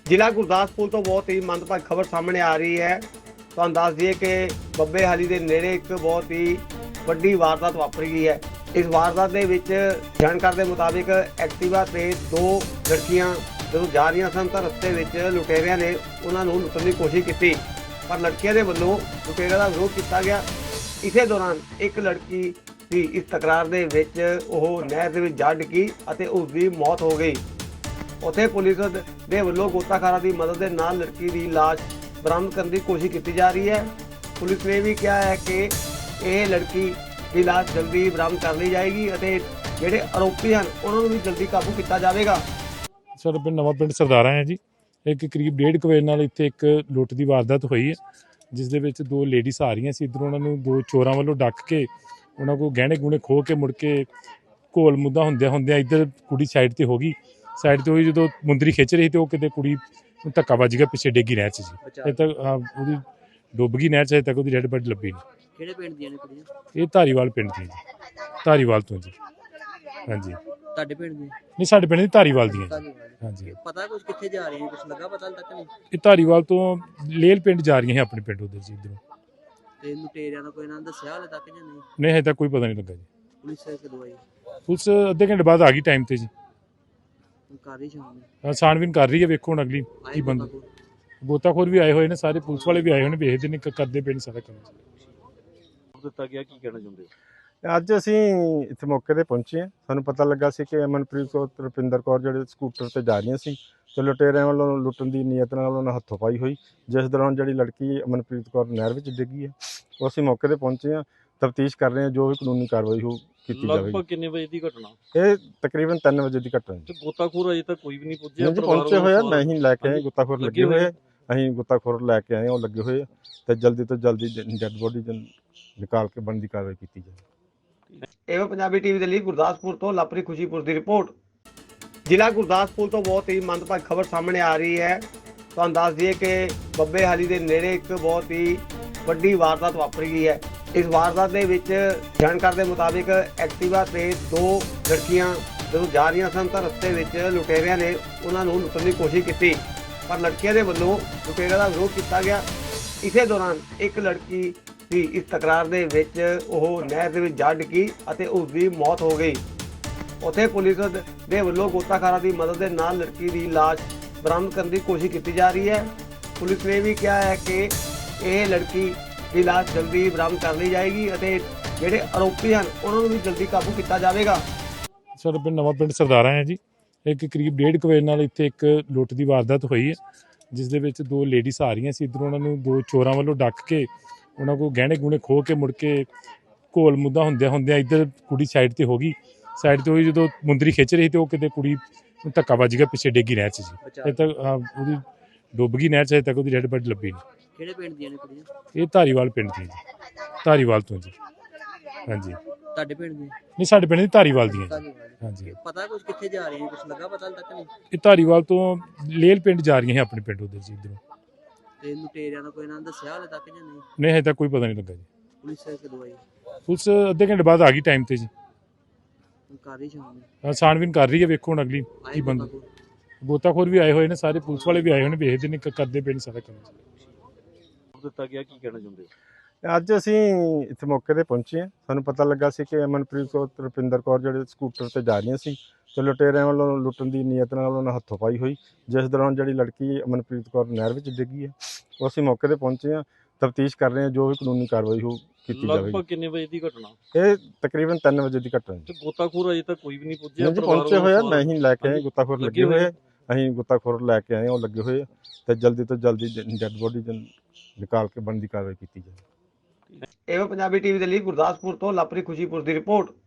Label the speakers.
Speaker 1: ਜ਼ਿਲ੍ਹਾ ਗੁਰਦਾਸਪੁਰ ਤੋਂ ਬਹੁਤ ਹੀ ਮੰਦਭਾਗੀ ਖਬਰ ਸਾਹਮਣੇ ਆ ਰਹੀ ਹੈ। ਤੁਹਾਨੂੰ ਦੱਸ ਦਈਏ ਕਿ ਬੱਬੇ ਹਾਲੀ ਦੇ ਨੇੜੇ ਇੱਕ ਬਹੁਤ ਹੀ ਵੱਡੀ ਵਾਰਦਾਤ ਵਾਪਰੀ ਗਈ ਹੈ। ਇਸ ਵਾਰਦਾਤ ਦੇ ਵਿੱਚ ਜਾਣਕਾਰੀ ਦੇ ਮੁਤਾਬਿਕ ਐਕਟਿਵਾ ਤੇ ਦੋ ਲੜਕੀਆਂ ਜਦੋਂ ਜਾ ਰਹੀਆਂ ਸਨ ਤਾਂ ਰਸਤੇ ਵਿੱਚ ਲੁਟੇਰਿਆਂ ਨੇ ਉਹਨਾਂ ਨੂੰ ਲੁੱਟਣ ਦੀ ਕੋਸ਼ਿਸ਼ ਕੀਤੀ, ਪਰ ਲੜਕੀਆਂ ਦੇ ਵੱਲੋਂ ਲੁਟੇਰਿਆਂ ਦਾ ਵਿਰੋਧ ਕੀਤਾ ਗਿਆ। ਇਸੇ ਦੌਰਾਨ ਇੱਕ ਲੜਕੀ ਦੀ ਇਸ ਤਕਰਾਰ ਦੇ ਵਿੱਚ ਉਹ ਨਹਿਰ ਦੇ ਵਿੱਚ ਜਾ ਡਿੱਗੀ ਅਤੇ ਉਸ ਦੀ ਮੌਤ ਹੋ ਗਈ। ਉੱਥੇ ਪੁਲਿਸ ਦੇ ਵੱਲੋਂ ਗੋਤਾਖੋਰਾਂ ਦੀ ਮਦਦ ਦੇ ਨਾਲ ਲੜਕੀ ਦੀ ਲਾਸ਼ ਬਰਾਮਦ ਕਰਨ ਦੀ ਕੋਸ਼ਿਸ਼ ਕੀਤੀ ਜਾ ਰਹੀ ਹੈ। ਪੁਲਿਸ ਨੇ ਵੀ ਕਿਹਾ ਹੈ ਕਿ ਇਹ ਲੜਕੀ ਦੀ ਲਾਸ਼ ਜਲਦੀ ਬਰਾਮਦ ਕਰ ਲਈ ਜਾਏਗੀ ਅਤੇ ਜਿਹੜੇ ਆਰੋਪੀ ਹਨ ਉਹਨਾਂ ਨੂੰ ਵੀ ਜਲਦੀ ਕਾਬੂ ਕੀਤਾ ਜਾਵੇਗਾ।
Speaker 2: ਸਾਡੇ ਪਿੰਡ ਨਵਾਂ ਪਿੰਡ ਸਰਦਾਰਾ ਹੈ ਜੀ। ਇੱਕ ਕਰੀਬ 1:30 ਵਜੇ ਨਾਲ ਇੱਥੇ ਇੱਕ ਲੁੱਟ ਦੀ ਵਾਰਦਾਤ ਹੋਈ ਹੈ, ਜਿਸ ਦੇ ਵਿੱਚ ਦੋ ਲੇਡੀਜ਼ ਆ ਰਹੀਆਂ ਸੀ। ਇੱਧਰੋਂ ਉਹਨਾਂ ਨੂੰ ਦੋ ਚੋਰਾਂ ਵੱਲੋਂ ਡੱਕ ਕੇ ਉਹਨਾਂ ਕੋਲ ਗਹਿਣੇ ਗੁਣੇ ਖੋਹ ਕੇ ਮੁੜ ਕੇ ਘੋਲ ਮੁੱਦਾ ਹੁੰਦਿਆਂ ਇੱਧਰ ਕੁੜੀ ਸਾਈਡ ਤੇ ਹੋ ਗਈ। ਸਾਈਡ ਤੇ ਹੋਈ ਜਦੋਂ ਮੁੰਦਰੀ ਖਿੱਚ ਰਹੀ ਤੇ ਉਹ ਕਿਤੇ ਕੁੜੀ ਨੂੰ ਧੱਕਾ ਵੱਜ ਗਿਆ, ਪਿੱਛੇ ਡਿੱਗੀ ਨਹਿਰ 'ਚ ਜੀ। ਇਹ ਤੱਕ ਉਹਦੀ ਡੁੱਬ ਗਈ ਨਹਿਰ 'ਚ, ਅਜੇ ਤੱਕ ਉਹਦੀ ਡੈਡ ਬਾਡੀ ਲੱਭੀ ਨਹੀਂ।
Speaker 3: ਕਿਹੜੇ ਪਿੰਡ ਦੀਆਂ ਨੇ ਕੁੜੀਆਂ?
Speaker 2: ਇਹ ਧਾਰੀਵਾਲ ਪਿੰਡ ਦੀ ਜੀ, ਧਾਰੀਵਾਲ ਤੋਂ ਜੀ। ਹਾਂਜੀ,
Speaker 3: ਤੁਹਾਡੇ ਪਿੰਡ ਦੀਆਂ?
Speaker 2: ਨਹੀਂ ਸਾਡੇ ਪਿੰਡ ਦੀ ਧਾਰੀਵਾਲ ਦੀਆਂ ਜੀ। ਹਾਂਜੀ,
Speaker 3: ਪਤਾ ਕੁਝ ਕਿੱਥੇ ਜਾ ਰਹੀਆਂ, ਕੁਝ ਲੱਗਾ ਪਤਾ ਤੱਕ ਨਹੀਂ?
Speaker 2: ਇਹ ਧਾਰੀਵਾਲ ਤੋਂ ਲੇਲ ਪਿੰਡ ਜਾ ਰਹੀਆਂ ਹੈ, ਆਪਣੇ ਪਿੰਡ ਉਧਰ ਜੀ ਇੱਧਰੋਂ।
Speaker 3: ਤੇ ਲੁਟੇਰਿਆਂ ਦਾ ਕੋਈ ਨਾਂ ਦੱਸਿਆ ਹਾਲੇ ਤੱਕ ਜਾਂ ਨਹੀਂ?
Speaker 2: ਨਹੀਂ ਹਜੇ ਤੱਕ ਕੋਈ ਪਤਾ ਨਹੀਂ ਲੱਗਾ ਜੀ।
Speaker 3: ਪੁਲਿਸ ਕਦੋਂ ਆਈ?
Speaker 2: ਪੁਲਿਸ ਅੱਧੇ ਘੰਟੇ ਬਾਅਦ ਆ ਗਈ ਟਾਈਮ ਤੇ ਜੀ।
Speaker 3: ਕਰ ਰਹੀ ਸ਼ਾਮ
Speaker 2: ਛਾਣਬੀਨ ਕਰ ਰਹੀ ਹੈ, ਵੇਖੋ ਹੁਣ ਅਗਲੀ ਕੀ ਬੰਦਾ। ਗੋਤਾਖੋਰ ਵੀ ਆਏ ਹੋਏ ਨੇ, ਸਾਰੇ ਪੁਲਿਸ ਵਾਲੇ ਵੀ ਆਏ ਹੋਏ ਨੇ, ਵੇਖਦੇ ਨੇ ਕਰਦੇ ਪਏ ਨੇ ਸਾਰਾ ਕੰਮ।
Speaker 4: ਦਿੱਤਾ ਗਿਆ, ਕੀ ਕਹਿਣਾ ਚਾਹੁੰਦੇ ਹੋ?
Speaker 5: ਅੱਜ ਅਸੀਂ ਇੱਥੇ ਮੌਕੇ ਤੇ ਪਹੁੰਚੇ ਹਾਂ। ਸਾਨੂੰ ਪਤਾ ਲੱਗਾ ਸੀ ਕਿ ਅਮਨਪ੍ਰੀਤ ਕੌਰ ਤੇ ਰੁਪਿੰਦਰ ਕੌਰ ਜਿਹੜੇ ਸਕੂਟਰ ਤੇ ਜਾ ਰਹੀਆਂ ਸੀ ਤੇ ਲੁਟੇਰਿਆਂ ਵੱਲੋਂ ਲੁੱਟਣ ਦੀ ਨੀਅਤ ਨਾਲ ਉਹਨਾਂ ਹੱਥੋਂ ਪਾਈ ਹੋਈ, ਜਿਸ ਦੌਰਾਨ ਜਿਹੜੀ ਲੜਕੀ ਅਮਨਪ੍ਰੀਤ ਕੌਰ ਨਹਿਰ ਵਿੱਚ ਡਿੱਗੀ ਹੈ। ਉਹ ਅਸੀਂ ਮੌਕੇ ਤੇ ਪਹੁੰਚੇ ਹਾਂ, ਤਫਤੀਸ਼ ਕਰ ਰਹੇ ਹਾਂ, ਜੋ ਵੀ ਕਾਨੂੰਨੀ ਕਾਰਵਾਈ ਹੋ ਕੀਤੀ ਜਾਵੇਗੀ।
Speaker 4: ਲਗਭਗ ਕਿੰਨੇ ਵਜੇ ਦੀ ਘਟਨਾ?
Speaker 5: ਇਹ ਤਕਰੀਬਨ 3 ਵਜੇ ਦੀ ਘਟਨਾ ਹੈ।
Speaker 4: ਤੇ ਗੋਤਾਖੋਰ ਅਜੇ ਤੱਕ ਕੋਈ ਵੀ ਨਹੀਂ ਪੁੱਜਿਆ?
Speaker 5: ਪਹੁੰਚੇ ਹੋਏ ਆ, ਨਹੀਂ ਲੈ ਕੇ ਆਏ, ਗੁੱਤਾਖੋਰ ਲੱਗੇ ਹੋਏ ਆ। ਅਸੀਂ ਗੁੱਤਾਖੋਰ ਲੈ ਕੇ ਆਏ, ਉਹ ਲੱਗੇ ਹੋਏ ਆ ਤੇ ਜਲਦੀ ਤੋਂ ਜਲਦੀ ਡੈਡ ਬੋਡੀ ਨਿਕਾਲ ਕੇ ਬਣਦੀ ਕਾਰਵਾਈ ਕੀਤੀ ਜਾਵੇ।
Speaker 1: ਇਹ ਪੰਜਾਬੀ ਟੀਵੀ ਦੇ ਲਈ ਗੁਰਦਾਸਪੁਰ ਤੋਂ ਲਾਪਰੀ ਖੁਸ਼ੀਪੁਰ ਦੀ ਰਿਪੋਰਟ। ਜ਼ਿਲ੍ਹਾ ਗੁਰਦਾਸਪੁਰ ਤੋਂ ਬਹੁਤ ਹੀ ਮੰਦਭਾਗੀ ਖਬਰ ਸਾਹਮਣੇ ਆ ਰਹੀ ਹੈ। ਤੁਹਾਨੂੰ ਦੱਸ ਦਈਏ ਕਿ ਬੱਬੇ ਹਾਲੀ ਦੇ ਨੇੜੇ ਇੱਕ ਬਹੁਤ ਹੀ ਵੱਡੀ ਵਾਰਦਾਤ ਵਾਪਰੀ ਗਈ ਹੈ। ਇਸ ਵਾਰਦਾਤ ਦੇ ਵਿੱਚ ਜਾਣਕਾਰੀ ਦੇ ਮੁਤਾਬਿਕ ਐਕਟਿਵਾ ਤੇ ਦੋ ਲੜਕੀਆਂ ਜਦੋਂ ਜਾ ਰਹੀਆਂ ਸਨ ਤਾਂ ਰਸਤੇ ਵਿੱਚ ਲੁਟੇਰਿਆਂ ਨੇ ਉਹਨਾਂ ਨੂੰ ਲੁੱਟਣ ਦੀ ਕੋਸ਼ਿਸ਼ ਕੀਤੀ, ਪਰ ਲੜਕੀਆਂ ਦੇ ਵੱਲੋਂ ਲੁਟੇਰਿਆਂ ਦਾ ਵਿਰੋਧ ਕੀਤਾ ਗਿਆ। ਇਸੇ ਦੌਰਾਨ ਇੱਕ ਲੜਕੀ ਦੀ ਇਸ ਤਕਰਾਰ ਦੇ ਵਿੱਚ ਉਹ ਨਹਿਰ ਦੇ ਵਿੱਚ ਜਾ ਡਿੱਗੀ ਅਤੇ ਉਸ ਦੀ ਮੌਤ ਹੋ ਗਈ। ਉੱਥੇ ਪੁਲਿਸ ਦੇ ਵੱਲੋਂ ਗੋਤਾਖੋਰਾਂ ਦੀ ਮਦਦ ਦੇ ਨਾਲ ਲੜਕੀ ਦੀ ਲਾਸ਼ ਬਰਾਮਦ ਕਰਨ ਦੀ ਕੋਸ਼ਿਸ਼ ਕੀਤੀ ਜਾ ਰਹੀ ਹੈ। ਪੁਲਿਸ ਨੇ ਵੀ ਕਿਹਾ ਹੈ ਕਿ ਇਹ ਲੜਕੀ ਦੀ ਲਾਸ਼ ਜਲਦੀ ਬਰਾਮਦ ਕਰ ਲਈ ਜਾਏਗੀ ਅਤੇ ਜਿਹੜੇ ਆਰੋਪੀ ਹਨ ਉਹਨਾਂ ਨੂੰ ਵੀ ਜਲਦੀ ਕਾਬੂ ਕੀਤਾ ਜਾਵੇਗਾ।
Speaker 2: ਸਾਡੇ ਪਿੰਡ ਨਵਾਂ ਪਿੰਡ ਸਰਦਾਰਾ ਹੈ ਜੀ। ਇੱਕ ਕਰੀਬ 1:30 ਵਜੇ ਨਾਲ ਇੱਥੇ ਇੱਕ ਲੁੱਟ ਦੀ ਵਾਰਦਾਤ ਹੋਈ ਹੈ, ਜਿਸ ਦੇ ਵਿੱਚ ਦੋ ਲੇਡੀਜ਼ ਆ ਰਹੀਆਂ ਸੀ। ਇੱਧਰੋਂ ਉਹਨਾਂ ਨੂੰ ਦੋ ਚੋਰਾਂ ਵੱਲੋਂ ਡੱਕ ਕੇ ਉਹਨਾਂ ਕੋਲ ਗਹਿਣੇ ਗੁਣੇ ਖੋਹ ਕੇ ਮੁੜ ਕੇ ਘੋਲ ਮੁੱਦਾ ਹੁੰਦਿਆਂ ਇੱਧਰ ਕੁੜੀ ਸਾਈਡ ਤੇ ਹੋ ਗਈ। ਸਾਈਡ ਤੇ ਹੋਈ ਜਦੋਂ ਮੁੰਦਰੀ ਖਿੱਚ ਰਹੀ ਤੇ ਉਹ ਕਿਤੇ ਕੁੜੀ ਨੂੰ ਧੱਕਾ ਵੱਜ ਗਿਆ, ਪਿੱਛੇ ਡਿੱਗੀ ਨਹਿਰ 'ਚ ਜੀ। ਇਹ ਤੱਕ ਉਹਦੀ ਡੁੱਬ ਗਈ ਨਹਿਰ 'ਚ, ਅਜੇ ਤੱਕ ਉਹਦੀ ਡੈਡ ਬਾਡੀ ਲੱਭੀ ਨਹੀਂ।
Speaker 3: ਕਿਹੜੇ ਪਿੰਡ ਦੀਆਂ ਨੇ ਕੁੜੀਆਂ?
Speaker 2: ਇਹ ਧਾਰੀਵਾਲ ਪਿੰਡ ਦੀ ਜੀ, ਧਾਰੀਵਾਲ ਤੋਂ ਜੀ। ਹਾਂਜੀ,
Speaker 3: ਤੁਹਾਡੇ ਪਿੰਡ ਦੀਆਂ?
Speaker 2: ਨਹੀਂ ਸਾਡੇ ਪਿੰਡ ਦੀ ਧਾਰੀਵਾਲ ਦੀਆਂ ਜੀ। ਹਾਂਜੀ,
Speaker 3: ਪਤਾ ਕੁਝ ਕਿੱਥੇ ਜਾ ਰਹੀਆਂ, ਕੁਝ ਲੱਗਾ ਪਤਾ ਤੱਕ ਨਹੀਂ?
Speaker 2: ਇਹ ਧਾਰੀਵਾਲ ਤੋਂ ਲੇਲ ਪਿੰਡ ਜਾ ਰਹੀਆਂ ਹੈ, ਆਪਣੇ ਪਿੰਡ ਉਧਰ ਜੀ ਇੱਧਰੋਂ।
Speaker 3: ਤੇ ਲੁਟੇਰਿਆਂ ਦਾ ਕੋਈ ਨਾਂ ਦੱਸਿਆ ਹਾਲੇ ਤੱਕ ਜਾਂ ਨਹੀਂ?
Speaker 2: ਨਹੀਂ ਹਜੇ ਤੱਕ ਕੋਈ ਪਤਾ ਨਹੀਂ ਲੱਗਾ ਜੀ।
Speaker 3: ਪੁਲਿਸ ਕਦੋਂ ਆਈ?
Speaker 2: ਪੁਲਿਸ ਅੱਧੇ ਘੰਟੇ ਬਾਅਦ ਆ ਗਈ ਟਾਈਮ ਤੇ ਜੀ।
Speaker 3: ਕਰ ਰਹੀ ਸ਼ਾਮ
Speaker 2: ਛਾਣਬੀਨ ਕਰ ਰਹੀ ਹੈ, ਵੇਖੋ ਹੁਣ ਅਗਲੀ ਕੀ ਬੰਦਾ। ਗੋਤਾਖੋਰ ਵੀ ਆਏ ਹੋਏ ਨੇ, ਸਾਰੇ ਪੁਲਿਸ ਵਾਲੇ ਵੀ ਆਏ ਹੋਏ ਨੇ, ਵੇਖਦੇ ਨੇ ਕਰਦੇ ਪਏ ਨੇ ਸਾਰਾ ਕੰਮ।
Speaker 4: ਦਿੱਤਾ ਗਿਆ, ਕੀ ਕਹਿਣਾ ਚਾਹੁੰਦੇ ਹੋ?
Speaker 5: ਅੱਜ ਅਸੀਂ ਇੱਥੇ ਮੌਕੇ ਤੇ ਪਹੁੰਚੇ ਹਾਂ। ਸਾਨੂੰ ਪਤਾ ਲੱਗਾ ਸੀ ਕਿ ਅਮਨਪ੍ਰੀਤ ਕੌਰ ਤੇ ਰੁਪਿੰਦਰ ਕੌਰ ਜਿਹੜੇ ਸਕੂਟਰ ਤੇ ਜਾ ਰਹੀਆਂ ਸੀ ਤੇ ਲੁਟੇਰਿਆਂ ਵੱਲੋਂ ਲੁੱਟਣ ਦੀ ਨੀਅਤ ਨਾਲ ਉਹਨਾਂ ਹੱਥੋਂ ਪਾਈ ਹੋਈ, ਜਿਸ ਦੌਰਾਨ ਜਿਹੜੀ ਲੜਕੀ ਅਮਨਪ੍ਰੀਤ ਕੌਰ ਨਹਿਰ ਵਿੱਚ ਡਿੱਗੀ ਹੈ। ਉਹ ਅਸੀਂ ਮੌਕੇ ਤੇ ਪਹੁੰਚੇ ਹਾਂ, ਤਫਤੀਸ਼ ਕਰ ਰਹੇ ਹਾਂ, ਜੋ ਵੀ ਕਾਨੂੰਨੀ ਕਾਰਵਾਈ ਹੋ ਕੀਤੀ ਜਾਵੇਗੀ।
Speaker 4: ਲਗਭਗ ਕਿੰਨੇ ਵਜੇ ਦੀ ਘਟਨਾ?
Speaker 5: ਇਹ ਤਕਰੀਬਨ 3 ਵਜੇ ਦੀ ਘਟਨਾ ਹੈ।
Speaker 4: ਤੇ ਗੋਤਾਖੋਰ ਅਜੇ ਤੱਕ ਕੋਈ ਵੀ ਨਹੀਂ ਪੁੱਜਿਆ?
Speaker 5: ਪਹੁੰਚੇ ਹੋਏ ਆ, ਨਹੀਂ ਲੈ ਕੇ ਆਏ, ਗੁੱਤਾਖੋਰ ਲੱਗੇ ਹੋਏ ਆ। ਅਸੀਂ ਗੁੱਤਾਖੋਰ ਲੈ ਕੇ ਆਏ, ਉਹ ਲੱਗੇ ਹੋਏ ਆ ਤੇ ਜਲਦੀ ਤੋਂ ਜਲਦੀ ਡੈਡ ਬੋਡੀ ਨਿਕਾਲ ਕੇ ਬਣਦੀ ਕਾਰਵਾਈ ਕੀਤੀ ਜਾਵੇ।
Speaker 1: ਇਹ ਪੰਜਾਬੀ ਟੀਵੀ ਦੇ ਲਈ ਗੁਰਦਾਸਪੁਰ ਤੋਂ ਲਾਪਰੀ ਖੁਸ਼ੀਪੁਰ ਦੀ ਰਿਪੋਰਟ।